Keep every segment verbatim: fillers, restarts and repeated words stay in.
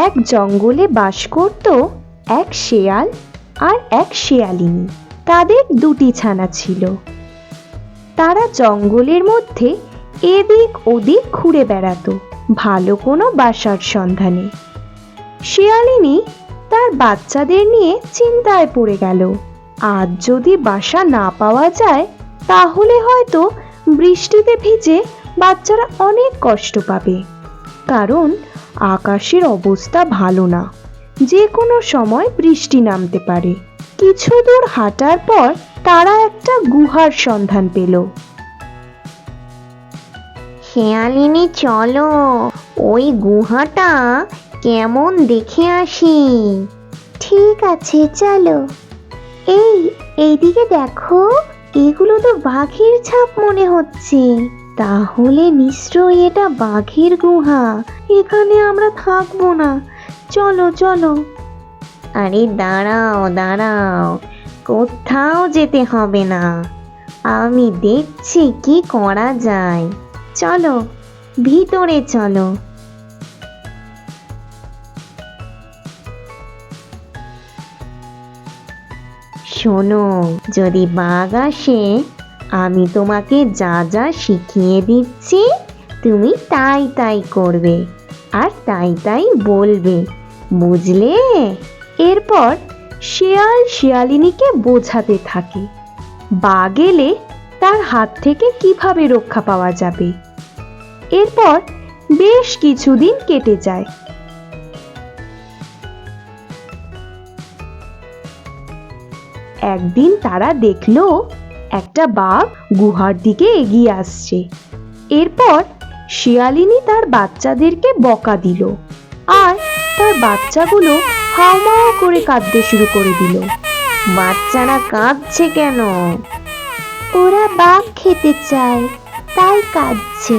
এক জঙ্গলে বাস করত এক শেয়াল আর এক শেয়ালিনী। তাদের দুটি ছানা ছিল। তারা জঙ্গলের মধ্যে এদিক ওদিক ঘুরে বেড়াতো ভালো কোনো বাসার সন্ধানে। শেয়ালিনী তার বাচ্চাদের নিয়ে চিন্তায় পড়ে গেল। আজ যদি বাসা না পাওয়া যায় তাহলে হয়তো বৃষ্টিতে ভিজে বাচ্চারা অনেক কষ্ট পাবে, কারণ আকাশের অবস্থা ভালো না, যে কোনো সময় বৃষ্টি নামতে পারে। কিছু দূর হাঁটার পর তারা একটা গুহার সন্ধান পেল। শেয়ালিনী, চলো ওই গুহাটা কেমন দেখে আসি। ঠিক আছে, চলো। এই এইদিকে দেখো, এগুলো তো বাঘের ছাপ মনে হচ্ছে। তাহলে নিশ্চয়ই এটা বাঘের গুহা। এখানে আমরা থাকবো না, চলো চলো। আরে দাঁড়াও দাঁড়াও, কোথাও যেতে হবে না, আমি দেখছি কি করা যায়। চলো ভিতরে চলো। শোনো, যদি বাঘ আসে আমি তোমাকে যা যা শিখিয়ে দিচ্ছি তুমি তাই তাই করবে আর তাই তাই বলবে, বুঝলে? এরপর শেয়াল শেয়ালিনীকে বোঝাতে থাকে বাঘ এলে তার হাত থেকে কিভাবে রক্ষা পাওয়া যাবে। এরপর বেশ কিছুদিন কেটে যায়। একদিন তারা দেখলো একটা বাঘ গুহার দিকে এগিয়ে আসছে। এরপর শিয়ালিনী তার বাচ্চাদেরকে বকা দিল আর তার বাচ্চাগুলো হাউমাউ করে কাঁদতে শুরু করে দিল। বাচ্চারা কাঁদছে কেন? ওরা বাঘ খেতে চায়, তাই কাঁদছে।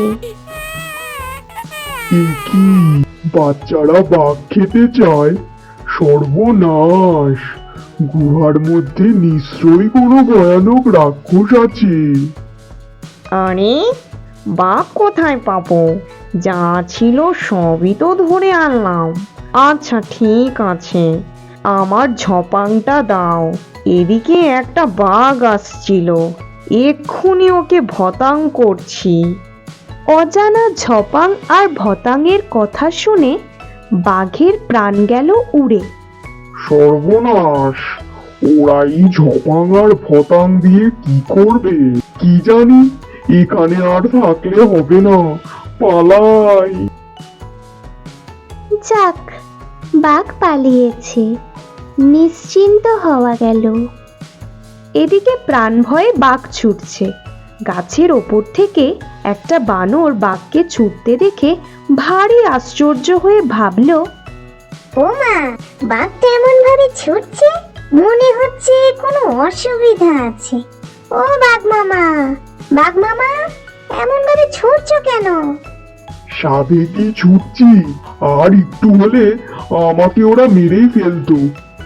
এ কি, বাচ্চারা বাঘ খেতে চায়? সর্বনাশ! গুহার মধ্যে নিশ্চয়ই কোনো ভয়ানক রাক্ষস আছে। আরে বাঘ কোথায় পাবো? যা ছিল সবই তো ধরে আনলাম। আচ্ছা ঠিক আছে, আমার ঝপাংটা দাও। এদিকে একটা বাঘ আসছিল, এক্ষুনি ওকে ভতাং করছি। অজানা ঝপাং আর ভতাংয়ের কথা শুনে বাঘের প্রাণ গেল উড়ে। সর্বনাশ! ওরা এই ঝপাং আর ভতাং দিয়ে কি করবে কি জানি। এখানে আর থাকলে হবে না, পালাই। যাক, বাঘ পালিয়েছে, নিশ্চিন্ত হওয়া গেল। এদিকে প্রাণ ভয়ে বাঘ ছুটছে। গাছের ওপর থেকে একটা বানর বাঘকে ছুটতে দেখে ভারী আশ্চর্য হয়ে ভাবল, ও মা, বাঘটা এমন ভাবে ছুটছে, মনে হচ্ছে কোনো অসুবিধা আছে। ও বাঘ মামা, বাঘ মামা, এমন ভাবে ছুটছো কেন? সাবেকি ছুটছি, আর একটু হলে আমাকে ওরা মেরেই ফেলতো।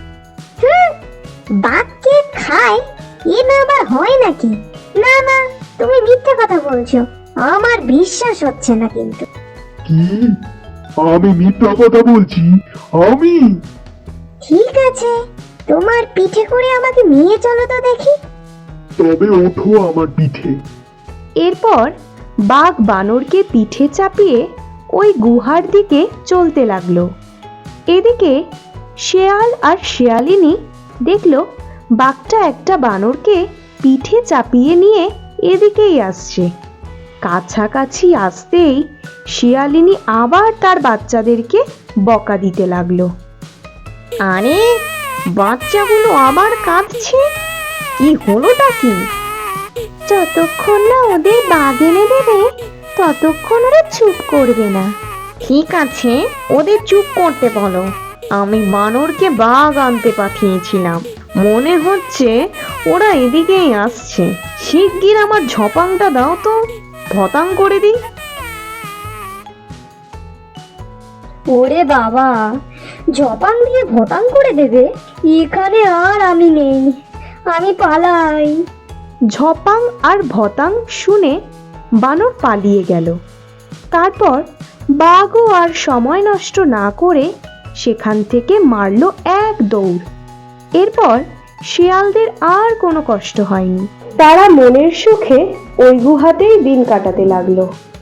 বাঘকে খায়, এ না আবার হয় নাকি? না না, তুমি মিথ্যে কথা বলছো, আমার বিশ্বাস হচ্ছে না। কিন্তু কি, আমি মিথ্যা কথা বলছি? আমি? ঠিক আছে, তোমার পিঠে করে আমাকে নিয়ে চলো তো দেখি। তবে ওঠো আমার পিঠে। এরপর বাঘ বানরকে পিঠে চাপিয়ে ওই গুহার দিকে চলতে লাগলো। এদিকে শেয়াল আর শেয়ালিনী দেখলো বাঘটা একটা বানরকে পিঠে চাপিয়ে নিয়ে এদিকেই আসছে। কাছাকাছি আসতেই শিয়ালিনী আবার তার বাচ্চাদেরকে বকা দিতে লাগলো। আরে বাচ্চাগুলো আবার কাঁদছে, কি হলোটা কি? যতক্ষণ না ওদের বাঘ এনে দেবে ততক্ষণ ওরা চুপ করবে না। ঠিক আছে, ওদের চুপ করতে বলো। আমি বানরকে বাঘ আনতে পাঠিয়েছিলাম, মনে হচ্ছে ওরা এদিকেই আসছে। শিগগির আমার ঝপাংটা দাও তো, ভতাং করে দিই। ওরে বাবা, ঝপাং দিয়ে ভতাং করে দেবে? এখানে আর আমি নেই, আমি পালাই। ঝপাং আর ভতাং শুনে বানর পালিয়ে গেল। তারপর বাঘও আর সময় নষ্ট না করে সেখান থেকে মারলো এক দৌড়। এরপর শিয়ালদের আর কোনো কষ্ট হয়নি। তারা মনের সুখে ওই গুহাতেই দিন কাটাতে লাগলো।